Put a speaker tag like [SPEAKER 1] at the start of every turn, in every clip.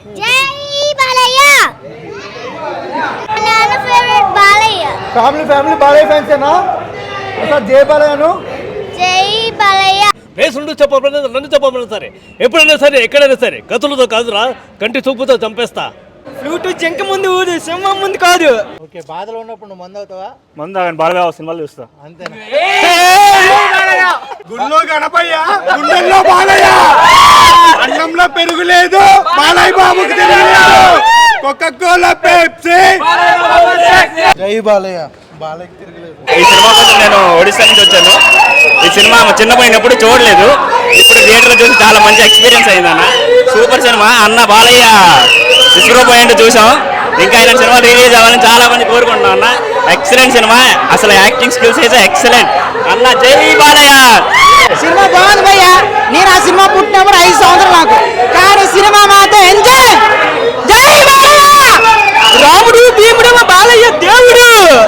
[SPEAKER 1] జై బాలయ్య. నా favourite Balayya.
[SPEAKER 2] Family Balayya ఫ్యాన్సేనా? ఒకసారి జై బాలయ్యను.
[SPEAKER 1] జై బాలయ్య.
[SPEAKER 3] పేసుండు చెప్పబడిన నన్ను చెప్పబడిన సరే, ఎప్పుడైనా సరే, ఎక్కడైనా సరే, కత్తులతో కాదురా, కంటి చూపుతో చంపేస్తా.
[SPEAKER 4] ఫ్లూట్ జంక ముందు ఊదు, సింహం ముందు కాదు.
[SPEAKER 2] ఓకే, బాధలో ఉన్నప్పుడు నువ్వు మందు అవుతావా?
[SPEAKER 3] మందు కానీ బాలయ్య సినిమాలు చూస్తా.
[SPEAKER 2] అంతేనా?
[SPEAKER 5] గుళ్ళో గణపయ్య, గుండెల్లో బాలయ్య, అన్నంలో పెరుగు లేదు, బాలయ్య బాబుకి తెలియలేదు. Coca-Cola, Pepsi.
[SPEAKER 2] జై బాలయ్య. బాలయ్యకి తిరగలేదు.
[SPEAKER 6] ఈ సినిమా కోసం నేను ఒడిశా నుంచి వచ్చాను. ఈ సినిమా చిన్నపోయినప్పుడు చూడలేదు, ఇప్పుడు థియేటర్లో చూసి చాలా మంచి ఎక్స్పీరియన్స్ అయిందన్న. సూపర్ సినిమా అన్న. బాలయ్య విశ్వరూపాయంటే చూసాం, ఇంకా ఆయన సినిమా రిలీజ్ అవ్వాలని చాలా మంది కోరుకుంటున్నాం అన్న. ఎక్సలెంట్ సినిమా, అసలు యాక్టింగ్ స్కిల్స్ అయితే ఎక్సలెంట్ అన్న. జై బాలయ్య.
[SPEAKER 4] సినిమా బాగుంది భయ్య. నేను ఆ సినిమా పుట్టినప్పుడు 5 సంవత్సరాలు నాకు, కానీ సినిమా మాత్రం ఎంజాయ్. జై బాలయ్య. రాముడు భీముడు బాలయ్య దేవుడు.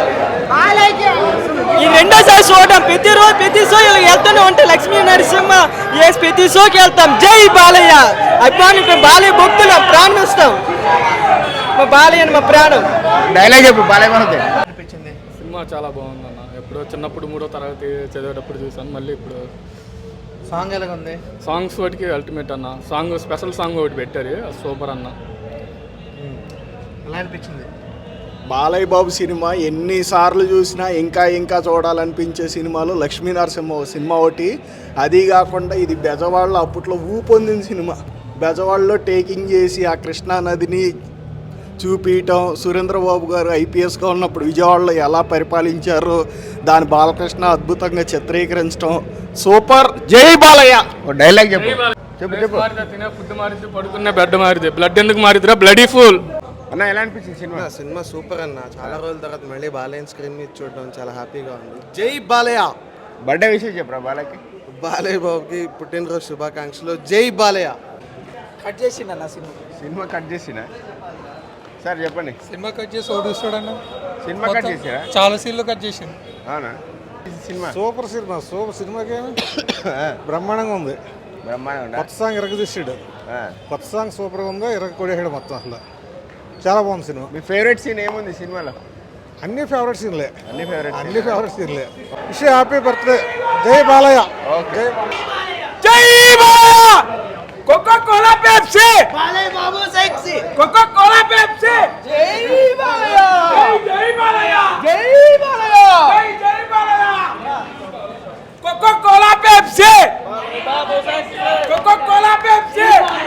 [SPEAKER 4] ఈ రెండోసారి చూడటం, ప్రతి షో వెళ్తూనే ఉంటాం. లక్ష్మీ నరసింహ ప్రతి షోకి వెళ్తాం. జై బాలయ్య అభిమాని, బాలయ్య భక్తులు ప్రాణం ఇస్తాం. మా బాలయ్య మా ప్రాణం.
[SPEAKER 5] డైలాగ్ చెప్పు బాలయ్య మనది.
[SPEAKER 2] అనిపించింది
[SPEAKER 7] సినిమా చాలా బాగుందన్న. ఎప్పుడో చిన్నప్పుడు 3వ తరగతి చదివేటప్పుడు చూసాను, మళ్ళీ ఇప్పుడు.
[SPEAKER 2] సాంగ్ ఎలాగ ఉంది?
[SPEAKER 7] సాంగ్స్ వాటికి అల్టిమేట్ అన్న. సాంగ్ స్పెషల్ సాంగ్ ఒకటి పెట్టారు, సూపర్ అన్న.
[SPEAKER 2] ఎలా అనిపించింది?
[SPEAKER 5] బాలయ్య బాబు సినిమా ఎన్నిసార్లు చూసినా ఇంకా చూడాలనిపించే సినిమాలో లక్ష్మీ నరసింహ సినిమా ఒకటి. అది కాకుండా ఇది బెజవాడలో అప్పట్లో ఊపొందిన సినిమా. బెజవాడలో టేకింగ్ చేసి ఆ కృష్ణా నదిని చూపించటం, సురేంద్రబాబు గారు ఐపీఎస్గా ఉన్నప్పుడు విజయవాడలో ఎలా పరిపాలించారో దాని బాలకృష్ణ అద్భుతంగా చిత్రీకరించడం సూపర్. జై బాలయ్య. డైలాగ్ చెప్పు.
[SPEAKER 7] తినే ఫుడ్ మారితే, పడుకునే బెడ్ మారితే, బ్లడ్ ఎందుకు మారిద్రా బ్లడీ ఫుల్
[SPEAKER 5] అన్న. ఎలా అనిపించింది సినిమా?
[SPEAKER 8] సినిమా సూపర్ అన్న. చాలా రోజుల తర్వాత మళ్ళీ బాలయ్య స్క్రీన్ మీద చూడడం చాలా హ్యాపీగా ఉంది. జై బాలయ్య.
[SPEAKER 5] బర్త్డే విషయం చెప్పరా బాలయ్యకి?
[SPEAKER 8] బాలయ్య బాబుకి పుట్టినరోజు శుభాకాంక్షలు. జై బాలయ్య.
[SPEAKER 4] కట్ చేసిండు అన్న
[SPEAKER 5] సినిమా కట్ చేసిన సార్ చెప్పండి.
[SPEAKER 9] సినిమా కట్ చేసి ఒకటి చూస్తాడన్న.
[SPEAKER 5] సినిమా కట్ చేసిరా?
[SPEAKER 9] చాలా సీన్లు కట్ చేసింది.
[SPEAKER 5] అవునా? సినిమా
[SPEAKER 2] సూపర్ సినిమాకి బ్రహ్మాండంగా ఉంది.
[SPEAKER 5] బ్రహ్మాండం.
[SPEAKER 2] కొత్త సాంగ్ తీసాడు. కొత్త సాంగ్ సూపర్గా ఉంది. కొడేసాడు మొత్తం. అసలు చాలా బాగుంది సినిమా.
[SPEAKER 5] మీ ఫేవరెట్ సీన్ ఏముంది సినిమాలో?
[SPEAKER 2] అన్ని ఫేవరెట్ సీన్లే.
[SPEAKER 5] అన్ని ఫేవరెట్
[SPEAKER 2] విష్ హ్యాపీ బర్త్డే. జై బాలయ్య.
[SPEAKER 5] ఓకే.
[SPEAKER 4] జై Balayya. Coca-Cola, Pepsi. Balayya Babu sexy. Coca-Cola, Pepsi. జై బాలయ్య. జై బాలయ్య. జై బాలయ్య. జై Balayya. Coca-Cola, Pepsi. Coca-Cola, Pepsi.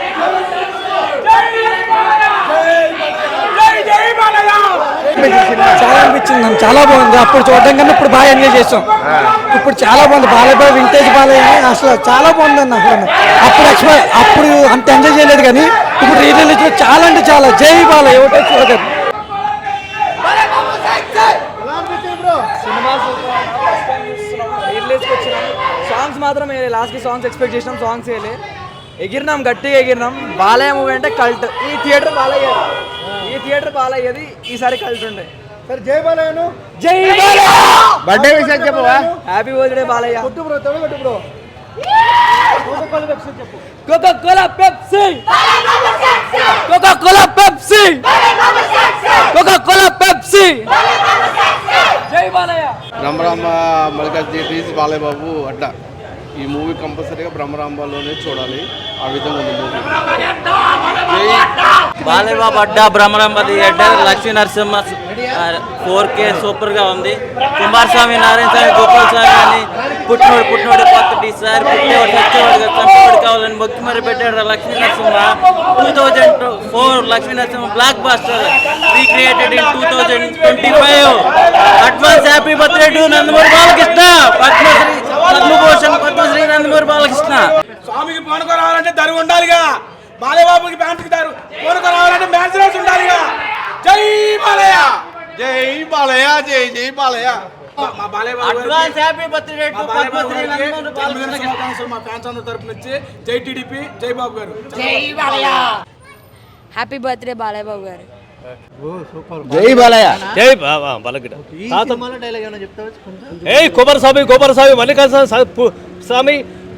[SPEAKER 2] చాలా అనిపించింది. చాలా బాగుంది. అప్పుడు చూడడం కన్నా ఇప్పుడు బాగా ఎంజాయ్ చేస్తాం. ఇప్పుడు చాలా బాగుంది. బాలయ్య వింటేజ్ బాలయ్య అసలు చాలా బాగుంది అన్న. అప్పుడు అంత ఎంజాయ్ చేయలేదు, కానీ ఇప్పుడు రిలీజ్ చాలా అంటే చాలా. జై బాలయ్య. ఒకటే చూడగలరు.
[SPEAKER 4] సాంగ్స్ మాత్రం లాస్ట్కి సాంగ్స్ ఎక్స్పెక్ట్ చేసినాం. సాంగ్స్ వేయలే. ఎగిరినాం, గట్టిగా ఎగిరినాం. బాలయ్య మూవీ అంటే కల్ట్. ఈ థియేటర్ బాలయ్యది ఈసారి కల్ట్ ఉండే.
[SPEAKER 2] సరే జై బాలయ్యను.
[SPEAKER 4] జై బాలయ్య.
[SPEAKER 5] బర్త్డే విషయం చెప్పవా?
[SPEAKER 4] Happy birthday Balayya.
[SPEAKER 2] కొట్టు బ్రో, కొట్టు bro.
[SPEAKER 4] Coca-Cola, Pepsi. Coca-Cola, Pepsi. Coca-Cola, Pepsi. జై బాలయ్య.
[SPEAKER 8] బ్రహ్మరాంబ మల్లికార్జున బాలయ్య బాబు అడ్డా. ఈ మూవీ కంపల్సరీగా బ్రహ్మరాంబలోనే చూడాలి. ఆ విధంగా ఉంది మూవీ.
[SPEAKER 6] బాలయ్య బాబు అడ్డా, బ్రహ్మరాంబ థియేటర్, లక్ష్మీ నరసింహ 4K సూపర్గా ఉంది. కుమారస్వామి, నారాయణ స్వామి, గోపాల్ స్వామి అని పుట్టినోడు కొత్త సార్ పుట్టేవాడు చచ్చేవాడు చంపేవాడు కావాలని మొక్కి మరి పెట్టాడు Lakshmi Narasimha. 2004 Lakshmi Narasimha blockbuster recreated in 2025. Advance happy birthday to Nandamuri Balakrishna. Padma Bhushan, Padma Shri Nandamuri Balakrishna.
[SPEAKER 4] స్వామికి పోనుకో రావాలంటే దరువు ఉండాలిగా. బాలయ్య బాబుకి ఫ్యాన్స్కి పోనుకో రావాలంటే మ్యాన్సరేస్ ఉండాలిగా. జై బాలయ్య.
[SPEAKER 5] జై బాలయ్య. జై బాలయ్య.
[SPEAKER 4] మా Balayya Babu
[SPEAKER 6] advance happy birthday to Padma Shri Nandamuri Balakrishna.
[SPEAKER 4] మా ఫ్యాన్స్ అందరి తరపు నుంచి జై టీడీపీ, జై బాబు గారు.
[SPEAKER 1] జై బాలయ్య. హ్యాపీ బర్త్డే బాలయ్య బాబు గారు.
[SPEAKER 5] జై బాలయ్య.
[SPEAKER 3] జై బాలకృష్ణ.
[SPEAKER 2] డైలాగ్ ఏమైనా చెప్తావా?
[SPEAKER 3] కుమారస్వామి, మల్లికార్జున స్వామి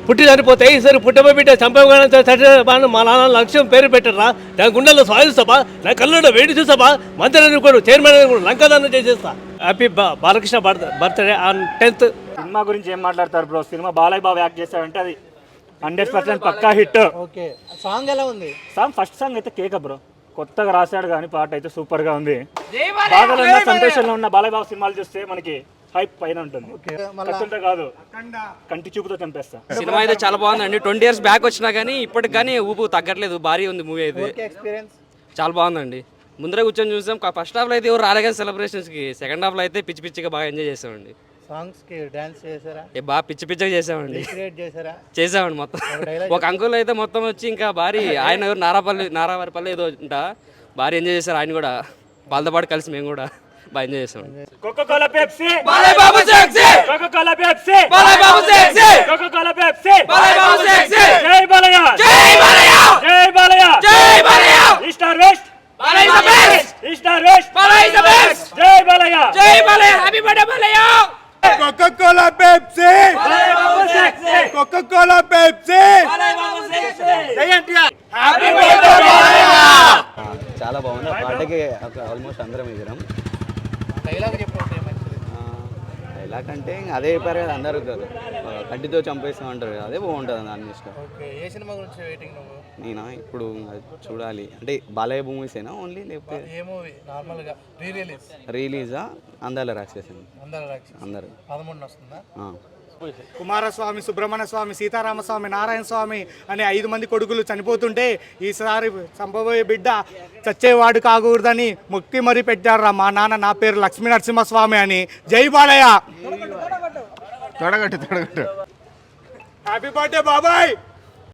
[SPEAKER 3] పుట్టి చనిపోతే ఈసారి పుట్టమ బిడ్డ చంపేవాళ్ళ మా నాన్న లక్ష్యం పేరు పెట్టరా నా గుండెల్లో స్వాదిస్తాపా నా కళ్ళలో వేడి చూసాపా మంత్రి అనుకోను చైర్మన్ అనుకోను లంకాదానం చేసేస్తా happy Balakrishna birthday on 10th.
[SPEAKER 10] Cinema గురించి ఏం మాట్లాడతారు bro? Cinema Balayya Babu act చేశాడంటే అది 100% పక్కా హిట్.
[SPEAKER 9] ఓకే సాంగ్ ఎలా ఉంది?
[SPEAKER 10] ఫస్ట్ సాంగ్ అయితే కేక బ్రో, కొత్తగా రాశాడు కానీ పాట అయితే సూపర్ గా ఉంది. బాధలో ఉన్న సంతోషంలో ఉన్న బాలయ్య బాబు సినిమాలు చూస్తే మనకి హైప్ పైన ఉంటుంది. కత్తుంటే కాదు, కంటి చూపుతో చంపేస్తా.
[SPEAKER 6] సినిమా అయితే చాలా బాగుందండి. 20 years బ్యాక్ వచ్చినా కానీ ఇప్పటికి కానీ ఊపు తగ్గట్లేదు. భారీ ఉంది మూవీ అయితే, చాలా బాగుందండి. ముందరే కూర్చొని చూసాం. ఫస్ట్ హాఫ్లో అయితే ఎవరు రాలే కానీ సెలబ్రేషన్స్కి, సెకండ్ హాఫ్లో అయితే పిచ్చి పిచ్చిగా బాగా ఎంజాయ్ చేసామండి.
[SPEAKER 9] సాంగ్స్ కి డాన్స్ చేశారా?
[SPEAKER 6] బాగా పిచ్చి పిచ్చిగా చేసామండి.
[SPEAKER 9] చేశారా?
[SPEAKER 6] మొత్తం. ఒక అంకుల్ అయితే మొత్తం వచ్చి ఇంకా భారీ, ఆయన ఎవరు నారావారిపల్లి ఏదో ఉంటా, భారీ ఎంజాయ్ చేశారు. ఆయన కూడా వాళ్ళతో పాటు కలిసి మేము కూడా బాగా ఎంజాయ్ చేసాం.
[SPEAKER 10] Coca-Cola Pepsi
[SPEAKER 6] Balayya Babu sexy,
[SPEAKER 10] Coca-Cola Pepsi
[SPEAKER 6] Balayya Babu sexy,
[SPEAKER 10] Coca-Cola Pepsi
[SPEAKER 6] Balayya Babu sexy.
[SPEAKER 10] జై బాలయ్య,
[SPEAKER 6] జై బాలయ్య,
[SPEAKER 10] జై బాలయ్య,
[SPEAKER 6] జై Balayya.
[SPEAKER 10] East or west
[SPEAKER 6] Balayya is the best,
[SPEAKER 10] east or west
[SPEAKER 6] Balayya is the best.
[SPEAKER 10] జై బాలయ్య,
[SPEAKER 6] జై Balayya, happy birthday Balayya.
[SPEAKER 8] Coca-Cola Pepsi,
[SPEAKER 10] Balayya Babu sexy,
[SPEAKER 8] Coca-Cola Pepsi,
[SPEAKER 10] Balayya Babu sexy. జై ఎన్టీఆర్, హ్యాపీ బర్త్డే బాలయ్య.
[SPEAKER 11] చాలా బాగుంది. ఆ పాటకి ఆల్మోస్ట్ అందరం ఎగిరాం. డైలాగ్ అంటే ఇంకా అదే చెప్పారు కదా అందరూ, కంటితో చంపేస్తాం అంటారు కదా, అదే బాగుంటుంది దాని ఇష్టం.
[SPEAKER 9] ఏ సినిమా గురించి వెయిటింగ్ నువ్వు?
[SPEAKER 11] నేనా ఇప్పుడు చూడాలి అంటే బాలయ్య మూవీసేనా ఓన్లీ, లేకపోతే
[SPEAKER 9] ఏ మూవీ నార్మల్గా
[SPEAKER 11] రిలీజా? అందాల రాక్షసి అందరు
[SPEAKER 9] 13 వస్తుందా?
[SPEAKER 5] కుమారస్వామి, సుబ్రహ్మణ్య స్వామి, సీతారామస్వామి, నారాయణ స్వామి అనే 5 మంది కొడుకులు చనిపోతుంటే ఈసారి సంభవోయే బిడ్డ చచ్చేవాడు కాకూడదని మొక్కి మరీ పెట్టారా మా నాన్న, నా పేరు లక్ష్మీ నరసింహస్వామి అని. జై బాలయ్య.
[SPEAKER 8] తొడగట్టు
[SPEAKER 5] హ్యాపీ బర్త్డే బాబాయ్.